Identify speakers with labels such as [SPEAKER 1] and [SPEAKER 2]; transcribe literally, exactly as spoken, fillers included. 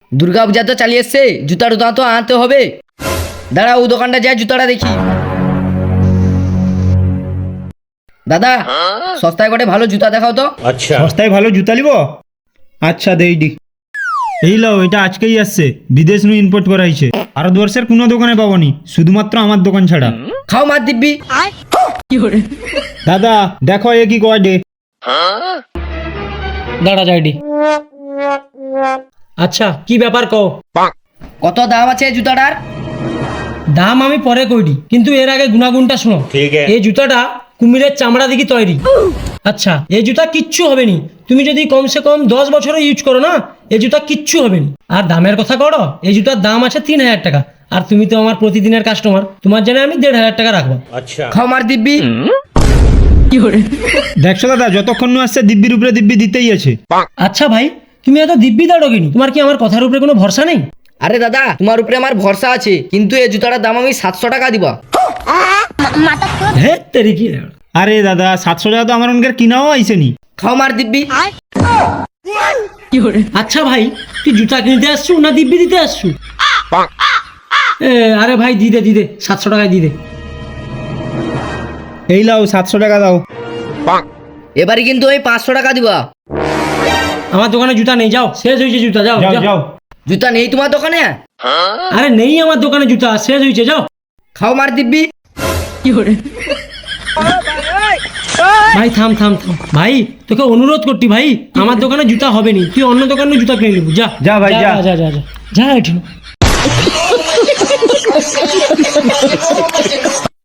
[SPEAKER 1] দুর্গা পূজা তো চালিয়ে এসছে, জুতা টুতা তো আনতে হবে। দাঁড়া ও দোকানটা যায় জুতাটা দেখি। দাদা সস্তায় করে ভালো জুতা দেখাও তো।
[SPEAKER 2] আচ্ছা
[SPEAKER 3] সস্তায় ভালো জুতা নিব? আচ্ছা দেইডি। এই লাও, এটা আজকেই আসছে, বিদেশ নু ইম্পোর্ট করা হয়েছে। ভারতবর্ষের কোনো দোকানে পাবনি, শুধুমাত্র আমার দোকান ছাড়া।
[SPEAKER 1] খাও মার দিব্যি।
[SPEAKER 3] দাদা দেখো এ কি কয়।
[SPEAKER 4] দাঁড়া যাইডি। আচ্ছা কি ব্যাপার কও।
[SPEAKER 1] কত দাম আছে এই জুতাটার?
[SPEAKER 4] দাম আমি পরে কইডি, কিন্তু এর আগে গুণাগুণটা শোনো।
[SPEAKER 2] ঠিক আছে।
[SPEAKER 4] এই জুতাটা কুমিরের চামড়া দিকে তৈরি। আচ্ছা এই জুতা কিচ্ছু হবে নি, তুমি যদি কমসে কম দশ বছরও ইউজ করো না, এই জুতা কিচ্ছু হবে নি। আর দামের কথা করো, এই জুতার দাম আছে তিন হাজার টাকা। আর তুমি তো আমার প্রতিদিনের কাস্টমার, তোমার জন্য আমি দেড় হাজার টাকা রাখবো।
[SPEAKER 2] আচ্ছা
[SPEAKER 1] খাও মার দিব্যি।
[SPEAKER 3] দেখছো দাদা, যতক্ষণ নু আসছে দিব্যির উপরে দিব্যি দিতেই আছে।
[SPEAKER 4] আচ্ছা ভাই, তুমি এত দিব্যি দাঁড়ো কিনি? তোমার কি আমার কথার উপরে কোনো ভরসা নেই?
[SPEAKER 1] আরে দাদা তোমার উপরে আমার ভরসা আছে, কিন্তু এই জুতাটার দাম আমি সাতশো টাকা দিবা।
[SPEAKER 4] হ্যাঁ তেরি কি।
[SPEAKER 3] আরে দাদা সাতশো টাকা তো আমার অনেকের কিনাও আইসেনি।
[SPEAKER 1] খাও মার দিব্যি।
[SPEAKER 4] আচ্ছা ভাই, তুই জুতা কিনতে আসছু না দিব্যি দিতে আসছু? এ, আরে ভাই দিদে দিদে সাতশো টাকায় দিদে।
[SPEAKER 3] এই লাও সাতশো টাকা দাও।
[SPEAKER 1] এবারে কিন্তু ওই পাঁচশো টাকা দিবা।
[SPEAKER 4] আমার দোকানে জুতা নেই, যাও, শেষ হয়েছে জুতা, যাও
[SPEAKER 3] যাও
[SPEAKER 4] যাও।
[SPEAKER 3] যাও।
[SPEAKER 1] জুতা নেই তোমার দোকানে?
[SPEAKER 4] আরে নেই আমার দোকানে জুতা, শেষ হয়েছে, যাও।
[SPEAKER 1] খাও মার দিব্যি।
[SPEAKER 4] ভাই থাম থাম থাম ভাই, তোকে অনুরোধ করছি ভাই, আমার দোকানে জুতা হবে নি, তুই অন্য দোকানে জুতা কিনে নিবি। যা
[SPEAKER 3] যা ভাই, যা।
[SPEAKER 4] যা যা যা যা এটি।